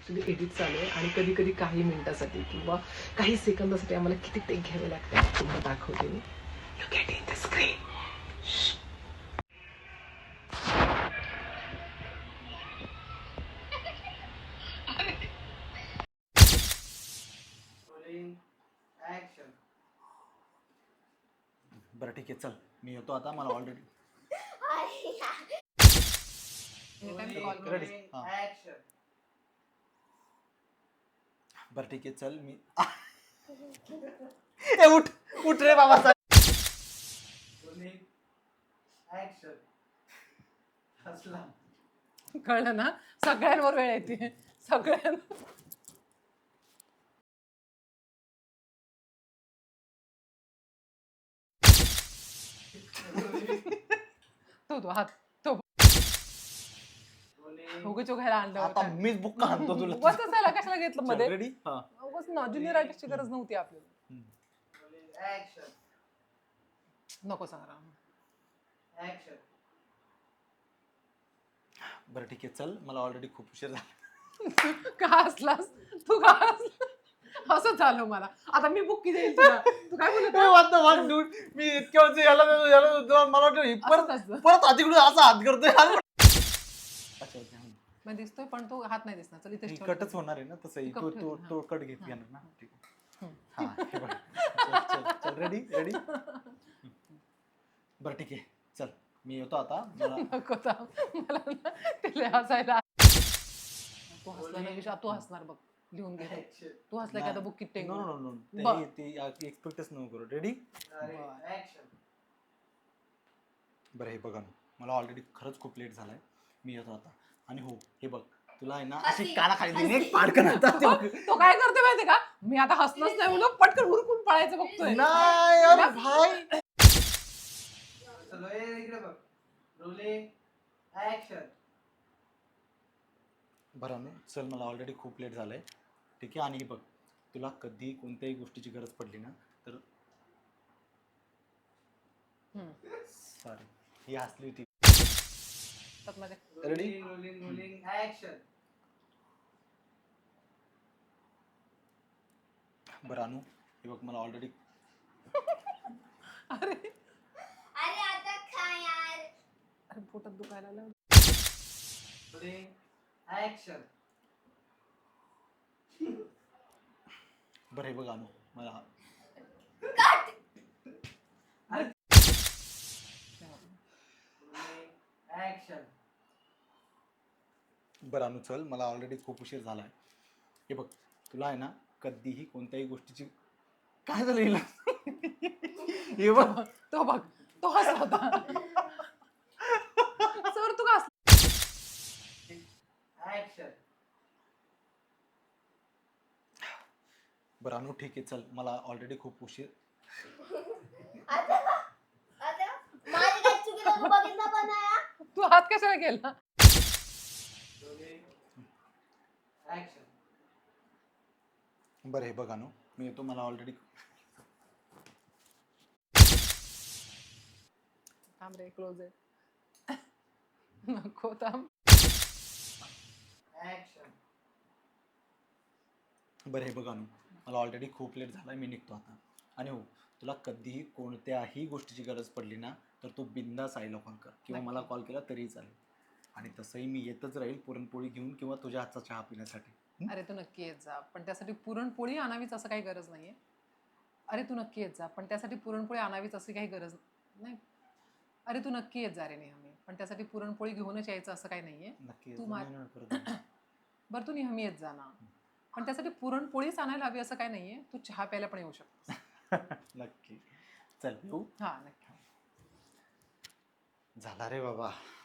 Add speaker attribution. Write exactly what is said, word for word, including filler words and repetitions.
Speaker 1: Actually edit चालू आहे आणि कधी कधी काही मिनिटासाठी किंवा काही सेकंदासाठी आम्हाला किती टेक घ्यावे लागतात तुम्हाला दाखवते मी. You get in the screen.
Speaker 2: बरं ठीक आहे, चल मी येतो आता. मला ऑलरेडी रेडी. बरं ठीक आहे, चल मी ए उठ उठ रे बाबा.
Speaker 1: कळलं ना, सगळ्यांवर वेळ येते सगळ्यांवर. तो तो हात तो उगाच घ्यायला आणलं
Speaker 2: आता
Speaker 1: होतं.
Speaker 2: मीच बुक्का आणतो तुला.
Speaker 1: उगाच त्याला कशाला घेतलं मध्ये.
Speaker 2: रेडी. हा
Speaker 1: उगाच ना ज्युनियर आर्टिस्टची गरज नव्हती आपल्याला. नको सांगा.
Speaker 2: बरं ठीक आहे, चल मला ऑलरेडी खूप उशीर झाला.
Speaker 1: का हसलास तू? का हसला? असं झालं मला. आता मी बुक किती देईल तुला? तू काय बोलत
Speaker 2: ए, what the fuck, dude? मी इतक्या वेळचं याला याला मला वाटलं ही परत
Speaker 1: असतं.
Speaker 2: परत आधीकडून असा हात करतोय. अच्छा अच्छा, हं.
Speaker 1: मग दिसतोय पण तो हात नाही दिसणार. चल
Speaker 2: ही
Speaker 1: इथेच ठेव.
Speaker 2: कटच होणार आहे ना तसंही.
Speaker 1: कट
Speaker 2: तो
Speaker 1: ठेव
Speaker 2: तो
Speaker 1: दे,
Speaker 2: तो
Speaker 1: हां.
Speaker 2: कट घेत
Speaker 1: हां.
Speaker 2: घेणार ना. ठीक आहे.
Speaker 1: हं.
Speaker 2: हा हे बघ. चल चल चल रेडी रेडी. बरं ठीक आहे, चल मी येतो आता. मला
Speaker 1: नको थांब. मला ना तिला हसायला. तू हसला ना विषय तू हसणार बघ. लिहून घे. तू हसला की आता बुक किती
Speaker 2: नो नो नो
Speaker 1: बरं.
Speaker 2: ते ते एक्सपेक्टच नको करू. रेडी. बरं हे बघा ना, मला ऑलरेडी खरंच खूप लेट झालाय. मी येतो आता. आणि हो हे बघ, तुला आहे ना अशी कानाखाली देईन एक पाडकन आता. ते बघ.
Speaker 1: तो काय करतोय माहितीये का? मी आता हसणंच नाही म्हणून पटकन हुरकून पळायचं बघतोय.
Speaker 2: नाही अरे भाई. बरं ना, चल मला ऑलरेडी खूप लेट झालंय. ठीक आहे. आणि बघ, तुला कधी कोणत्याही गोष्टीची गरज पडली ना तर
Speaker 1: हम्म.
Speaker 2: सॉरी ही हसली होती.
Speaker 1: त्यात माझ्या
Speaker 2: रेडी. बरं अनु, हे बघ मला ऑलरेडी
Speaker 1: अरे
Speaker 3: अरे आता खा यार.
Speaker 1: अरे पोटात दुखायला लागलं.
Speaker 2: बरं हे बघ अनु, मला बरं अनु चल, मला ऑलरेडी खूप उशीर झालाय. हे बघ, तुला आहे ना कधीही कोणत्याही गोष्टीची काय झालं हिला? हे बघ
Speaker 1: तो बघ तो हसला होता. सर तू का हसला?
Speaker 2: बरं अनु ठीक आहे, चल मला ऑलरेडी खूप उशीर.
Speaker 3: आता आता माझी काय चुकी तू बघितला पण नाही.
Speaker 1: तू हात कशाला केला?
Speaker 2: बरं हे बघ अनु, मी येतो. मला ऑलरेडी
Speaker 1: थांब रे क्लोज आहे. नको थांब.
Speaker 2: बरं हे बघ अनु, मला ऑलरेडी खूप लेट झालाय. मी निघतो आता. आणि हो, तुला कधीही कोणत्याही गोष्टीची गरज पडली ना तर तू बिंदास आईला कॉल कर किंवा मला कॉल केला तरीही चालेल. आणि तसंही मी येतच राहील पुरणपोळी घेऊन किंवा तुझ्या हातचा चहा पिण्यासाठी.
Speaker 1: अरे तू नक्की येत जा पण त्यासाठी पुरणपोळी आणावीच असं काही गरज नाहीये. अरे तू नक्की येत जा पण त्यासाठी पुरणपोळी आणावीच अशी काही गरज नाही. अरे तू नक्की येत जा रे नेहमी पण त्यासाठी पुरणपोळी घेऊनच यायचं असं काही नाहीये.
Speaker 2: नक्की
Speaker 1: तू
Speaker 2: येतो.
Speaker 1: मा-
Speaker 2: नाही, नाही, परत नाही.
Speaker 1: बरं तू नेहमी येत जा ना पण त्यासाठी पुरणपोळीच आणायला हवी असं काही नाहीये. तू चहा प्यायला पण येऊ शकतोस.
Speaker 2: नक्की. चल येऊ.
Speaker 1: हा नक्की.
Speaker 2: झाला रे बाबा.